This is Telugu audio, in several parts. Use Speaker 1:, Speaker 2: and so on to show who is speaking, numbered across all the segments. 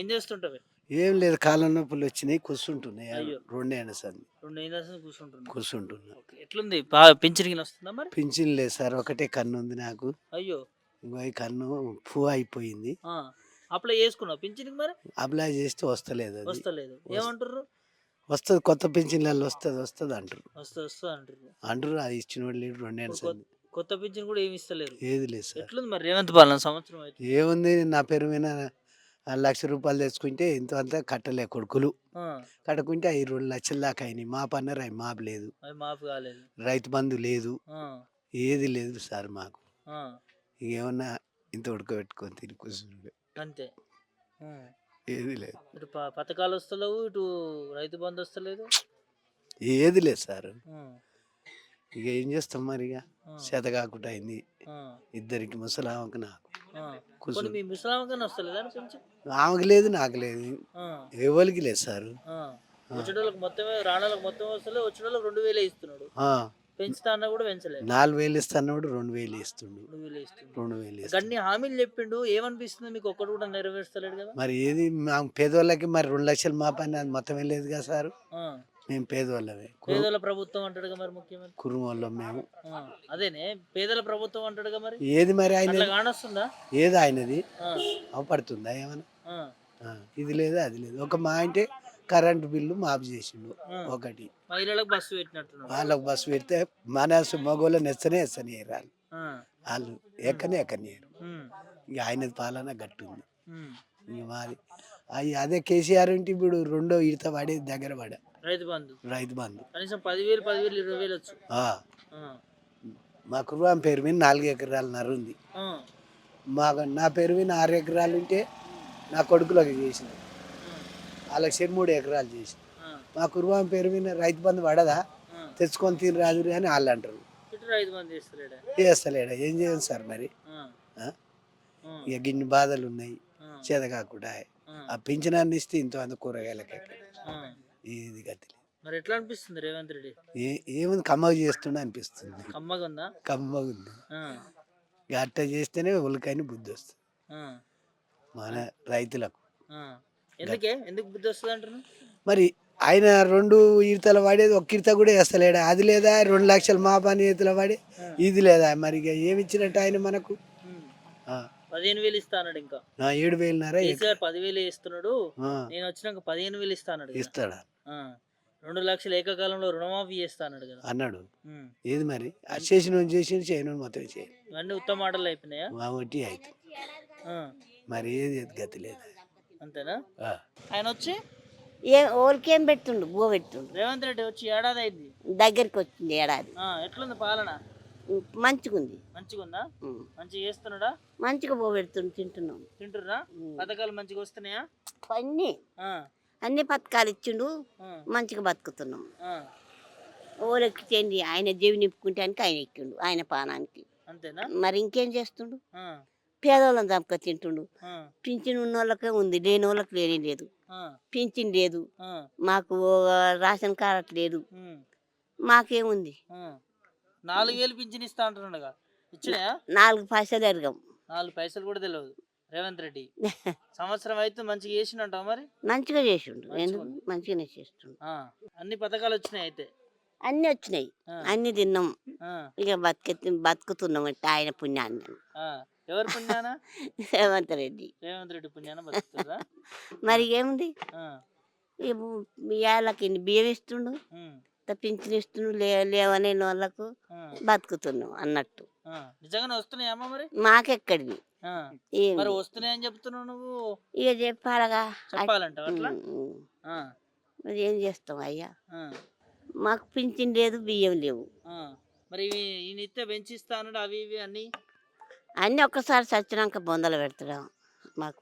Speaker 1: చేస్తుంటావు?
Speaker 2: ఏం లేదు, కాళ్ళ నొప్పులు వచ్చినాయి, కూర్చుంటున్నాయి.
Speaker 1: అయ్యో!
Speaker 2: 2 ఏళ్ల సంది
Speaker 1: 2 ఏళ్ల నుంచి కూర్చుంటున్నావు.
Speaker 2: కూర్చుంటున్నా.
Speaker 1: ఓకే. ఎట్లుంది? పింఛన్ గిన వస్తుందా మరి?
Speaker 2: పింఛన్ లేదు సార్, ఒకటే కన్ను ఉంది నాకు.
Speaker 1: అయ్యో!
Speaker 2: ఇంకో ఈ కన్ను అయిపోయింది.
Speaker 1: ఆ! అప్లై చేసుకున్నావా పింఛన్‌కి మరి?
Speaker 2: అప్లై చేస్తే వస్తలేదు అది.
Speaker 1: వస్తలేదు. ఏమంటుర్రు?
Speaker 2: వస్తది, కొత్త పింఛన్లలో వస్తది అంటారు.
Speaker 1: వస్తది అంటుర్రు.
Speaker 2: అంటారు, అది ఇచ్చినోడు లేడు. 2 ఏళ్ల
Speaker 1: ఇప్పుడు
Speaker 2: సంది
Speaker 1: కొత్త పింఛన్ కూడా ఏమి ఇస్తలేరు.
Speaker 2: ఏది లేదు సార్.
Speaker 1: ఎట్లుంది మరి రేవంత్ పాలన సంవత్సరం అయితే?
Speaker 2: ఏముంది, నా పేరు మీద ₹1,00,000 తెచ్చుకుంటే ఇంత అంతా కట్టలే కొడుకులు.
Speaker 1: ఆ!
Speaker 2: కట్టకుంటే అవి 2,00,000 దాకా అయినాయి. మాపు అన్నారు, అవి మాపు లేదు.
Speaker 1: అవి మాఫీ కాలేదు.
Speaker 2: రైతు బంధు లేదు,
Speaker 1: ఆ!
Speaker 2: ఏది లేదు సార్ మాకు.
Speaker 1: ఆ!
Speaker 2: ఇక ఏమన్నా ఇంత ఉడకబెట్టుకొని తిని కూర్చుండే,
Speaker 1: అంతే. హ్మ్.
Speaker 2: ఏది లేదు.
Speaker 1: ఇటు పథకాలు వస్తలేవు, ఇటు రైతు బంధు వస్తలేదు.
Speaker 2: ఏది లేదు సార్.
Speaker 1: హ్మ్.
Speaker 2: ఇక ఏం చేస్తాం మరి, ఇక
Speaker 1: ఆ!
Speaker 2: చేత కాకుండా అయింది
Speaker 1: ఆ!
Speaker 2: ఇద్దరికి, ముసలామకు నాకు.
Speaker 1: ఆ! పోనీ మీ ముసలామకన్నా వస్తలేదా పింఛన్?
Speaker 2: ఆమెకు లేదు, నాకు లేదు,
Speaker 1: ఆ!
Speaker 2: ఎవరికి లేదు సార్.
Speaker 1: ఆ! వచ్చేటోళ్ళకి మొత్తమే, రానోళ్ళకి మొత్తం వస్తలే, వచ్చేటోళ్ళకి 2000 ఇస్తున్నాడు. పెంచుతా అన్నా కూడా పెంచలేదు.
Speaker 2: 4,000 ఇస్తున్నాడు, 2,000 ఇస్తుండు.
Speaker 1: 2000 ఇస్తున్నాడు.
Speaker 2: 2,000 ఇస్తుండు.
Speaker 1: గన్ని హామీలు చెప్పిండు, ఏమనిపిస్తుంది మీకు? ఒక్కటి కూడా నెరవేర్స్తలేడు కదా
Speaker 2: మరి ఏది, మా పేదోళ్ళకి మరి 2,00,000 మా పని అది మొత్తం వెళ్ళేది కదా సార్.
Speaker 1: ఆ.
Speaker 2: మేము పేదోళ్ళమే,
Speaker 1: పేదల ప్రభుత్వం అంటాడుగా మరి ముఖ్యమంత్రి.
Speaker 2: కుటుంబంలో మేము.
Speaker 1: ఆ. అదేనే పేదల ప్రభుత్వం అంటాడుగా మరి.
Speaker 2: ఏది మరి ఆయన,
Speaker 1: అట్లా కానొస్తుందా?
Speaker 2: ఏది ఆయనది
Speaker 1: ఆ.
Speaker 2: అవపడుతుందా ఏమన్నా?
Speaker 1: ఆ.
Speaker 2: ఇది లేదు, అది లేదు. ఒక మా అంటే కరెంటు బిల్లు మాఫ్ చేసిండు ఒకటి.
Speaker 1: మహిళలకు బస్సు పెట్టినట్టున్నాడు.
Speaker 2: వాళ్ళకు బస్సు పెడితే మన మగోళ్ళు ఎస్తనే రాళ్ళు,
Speaker 1: ఆ.
Speaker 2: వాళ్ళు ఎక్కనియరు.
Speaker 1: ఉమ్.
Speaker 2: ఇక ఆయనది పాలన గట్టుంది.
Speaker 1: ఉమ్.
Speaker 2: ఇక మాది అదే కేసీఆర్ ఇంటి ఇప్పుడు 2వ విడత పడి దగ్గర పడ
Speaker 1: రైతు బంధు
Speaker 2: కనీసం
Speaker 1: 10,000 20,000 వచ్చు. ఆ.
Speaker 2: మా కుటుంబం పేరు మీద 4 ఎకరాలన్నర ఉంది.
Speaker 1: ఆ.
Speaker 2: నా పేరు మీద 6 ఎకరాలు ఉంటే నా కొడుకులకు చేసిన, వాళ్ళకి 3 ఎకరాలు చేసి. మా కుటుంబం పేరు మీద రైతు బంధు పడదా, తెచ్చుకొని తిని రాదు అని వాళ్ళు అంటారు.
Speaker 1: ఇటు రైతు బంధు
Speaker 2: చేస్తలేడా, ఏం చేయాలి సార్ మరి. ఇక గిన్ని బాధలు ఉన్నాయి, చేత కాకుండా ఆ పింఛనాన్ని ఇస్తే ఇంత అంత కూరగాయలకి ఇది గతి.
Speaker 1: మరి ఎట్లా అనిపిస్తుంది రేవంత్ రెడ్డి?
Speaker 2: ఏముంది, కమ్మగా చేస్తుండే అనిపిస్తుంది.
Speaker 1: కమ్మగా ఉందా?
Speaker 2: కమ్మగా ఉంది. ఇక అట్ట చేస్తేనే ఉలకని బుద్ధి వస్తుంది మన రైతులకు.
Speaker 1: ఎందుకు బుద్ధి వస్తుంది అంటున్నా?
Speaker 2: మరి ఆయన 2 ఈతలు వాడేది, 1 ఈత కూడా వేస్తలేడా, అది లేదా. 2,00,000 మా పని ఈతలు వాడి, ఇది లేదా. మరి ఇక ఏమి ఇచ్చినట్టు ఆయన మనకు?
Speaker 1: 15,000 ఇస్తా అన్నాడు. ఇంకా
Speaker 2: 7,500
Speaker 1: 10,000 ఇస్తున్నాడు. నేను వచ్చినాక 15,000 ఇస్తా అన్నాడు.
Speaker 2: ఇస్తాడా?
Speaker 1: 2 లక్షలు ఏకకాలంలో రుణమాఫీ చేస్తా అన్నాడు కదా
Speaker 2: అన్నాడు. ఏది మరి, చేసిన చేయను మొత్తం చేయాలి.
Speaker 1: ఇవన్నీ ఉత్తమ మాటలు అయిపోయినాయా?
Speaker 2: ఒకటి అయితే మరి ఏది గతి లేదు.
Speaker 1: అంతేనా? ఆయన వచ్చి
Speaker 3: ఓరికేం పెడుతుండు, బో పెడుతుండు.
Speaker 1: రేవంత్ రెడ్డి వచ్చి ఏడాది అయింది,
Speaker 3: దగ్గరికి వచ్చింది ఏడాది.
Speaker 1: ఎట్లుంది పాలన?
Speaker 3: మంచిగుంది.
Speaker 1: మంచిగుందా? మంచిగా చేస్తున్నాడా?
Speaker 3: మంచిగా బో పెడుతుండు,
Speaker 1: తింటుర్రా? పథకాలు మంచిగా వస్తున్నాయా?
Speaker 3: అన్ని పథకాలు ఇచ్చిండు, మంచిగా బతుకుతున్నాం. ఓరెక్కిండి, ఆయన జీవి నింపుకుంటానికి ఆయన ఎక్కిండు, ఆయన పానానికి.
Speaker 1: అంతేనా? మరి
Speaker 3: ఇంకేం చేస్తుండు? పేదోళ్ళని చంపక తింటుండు. పింఛన్ ఉన్న వాళ్ళకే ఉంది, లేని వాళ్ళకి లేదు. పింఛన్ లేదు, మాకు రేషన్ కార్డు లేదు, మాకేముంది.
Speaker 1: 4,000 పింఛన్ ఇస్తా అంటున్నాడుగా, ఇచ్చినా?
Speaker 3: 4 పైసలు ఎరగం,
Speaker 1: 4 పైసలు కూడా తెలియదు రేవంత్ రెడ్డి. సంవత్సరం అయితే మంచిగా చేసిండంటావు మరి?
Speaker 3: మంచిగా చేసిండు, మంచిగానే చేస్తుండు.
Speaker 1: అన్ని పథకాలు వచ్చినాయి అయితే?
Speaker 3: అన్ని వచ్చినాయి, అన్ని తిన్నాం. ఇక బతుకుతున్నాం అంటే ఆయన పుణ్యాన్ని.
Speaker 1: ఎవరు పుణ్యానా?
Speaker 3: రేవంత్ రెడ్డి
Speaker 1: పుణ్యాన బతుకుతుందా?
Speaker 3: మరి ఏముంది, ఏళ్ళకి బియ్యం ఇస్తుండు, పింఛన్ ఇస్తుండు, లేవనే వాళ్ళకు బతుకుతున్నాం అన్నట్టు.
Speaker 1: నిజంగానే వస్తున్నాయమ్మా మరి?
Speaker 3: మాకెక్కడివి
Speaker 1: మరి వస్తున్నాయని చెప్తున్నావు నువ్వు.
Speaker 3: ఇక చెప్పాలగా,
Speaker 1: చెప్పాలంట అట్లా.
Speaker 3: మరి ఏం చేస్తాం అయ్యా, మాకు పింఛన్ లేదు, బియ్యం లేవు.
Speaker 1: మరి ఈయన ఇస్తే పెంచిస్తా అన్నాడు, అవి ఇవి అన్ని
Speaker 3: అన్నీ ఒక్కసారి చచ్చినాక బొందలు పెడతాడు మాకు.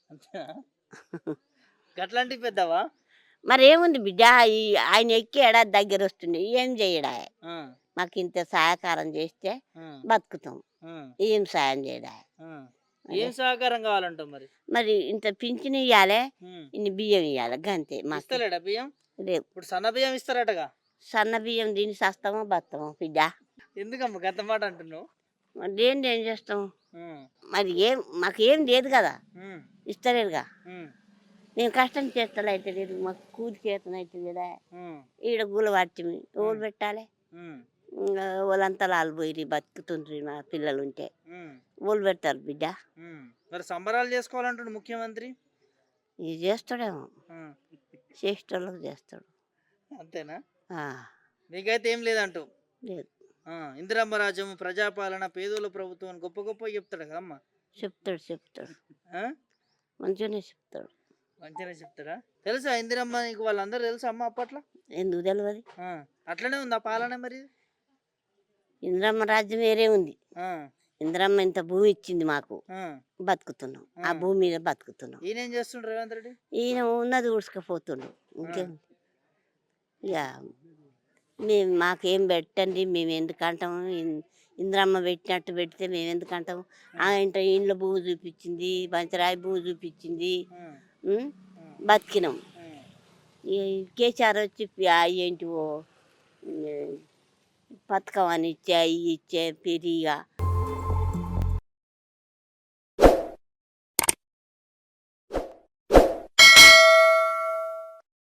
Speaker 1: గట్లాంటివి పెద్దవా?
Speaker 3: మరి ఏముంది బిడ్డ, ఆయన ఎక్కి ఏడాది దగ్గర వస్తుండే, ఏం చేయడా? మాకు ఇంత సహకారం చేస్తే బతుకుతాం, ఏం సాయం చేయడా?
Speaker 1: ఏం సహకారం కావాలంటావు మరి?
Speaker 3: మరి ఇంత పింఛన్ ఇవ్వాలి, ఇన్ని బియ్యం ఇవ్వాలి, గంతే.
Speaker 1: మాకు బియ్యం
Speaker 3: లేవు.
Speaker 1: ఇప్పుడు సన్న బియ్యం ఇస్తారటగా?
Speaker 3: సన్న బియ్యం దీన్ని సస్తామో బతామో బిడ్డ.
Speaker 1: ఎందుకమ్మా గంత మాట అంటున్నావు?
Speaker 3: దేని ఏం చేస్తాం మరి, మాకు ఏం లేదు కదా, ఇస్తలేరుగా. నేను కష్టం చేస్తాను అయితే లేదు, మాకు కూలి చేతన అయితే లేదా,
Speaker 1: ఉమ్,
Speaker 3: ఈడ గూల పట్టిమి ఓళ్ళు పెట్టాలి,
Speaker 1: ఉమ్,
Speaker 3: ఇంకా వాళ్ళంతా లాలు పోయి బతుకుతుండ్రి మా పిల్లలు ఉంటే
Speaker 1: ఉమ్,
Speaker 3: ఓళ్ళు పెడతారు బిడ్డ.
Speaker 1: ఉమ్. మరి సంబరాలు చేసుకోవాలంటాడు ముఖ్యమంత్రి.
Speaker 3: ఇది చేస్తాడేమో,
Speaker 1: ఉమ్,
Speaker 3: చేసేటోళ్ళకి చేస్తాడు.
Speaker 1: అంతేనా?
Speaker 3: ఆ,
Speaker 1: నీకైతే ఏం లేదంటూ.
Speaker 3: లేదు,
Speaker 1: ఇందిరమ్మ రాజ్యం, ప్రజాపాలన, పేదోళ్ళ ప్రభుత్వం అని గొప్ప గొప్ప చెప్తాడు కదమ్మా.
Speaker 3: చెప్తాడు
Speaker 1: ఆ?
Speaker 3: మంచిగానే చెప్తాడు.
Speaker 1: మంచిగానే చెప్తాడా? తెలుసా ఇందిరమ్మ నీకు వాళ్ళందరూ తెలుసా అమ్మ అప్పట్లో?
Speaker 3: ఎందుకు తెలియదు?
Speaker 1: ఆ, అట్లనే ఉందా పాలన మరి?
Speaker 3: ఇందిరమ్మ రాజ్యం వేరే ఉంది.
Speaker 1: ఆ,
Speaker 3: ఇందిరమ్మ ఇంత భూమి ఇచ్చింది మాకు,
Speaker 1: ఆ.
Speaker 3: బతుకుతున్నాం ఆ భూమి మీద బతుకుతున్నాం.
Speaker 1: ఈయనేం చేస్తుండ్రు రేవంత్ రెడ్డి?
Speaker 3: ఈయన ఉన్నది ఊడ్చుకపోతుండు, ఇంకేం. ఇక మేము మాకేం పెట్టండి, మేము ఎందుకంటాము, ఇందిరమ్మ పెట్టినట్టు పెడితే మేము ఎందుకంటాము. ఇంట ఇంట్లో భూమి చూపించింది, పంచరాయి భూమి చూపించింది, ఉం? బతికినాం. ఈ కేసీఆర్ వచ్చి ఏంటివో పథకం అని ఇచ్చే ఇచ్చే పెరిగా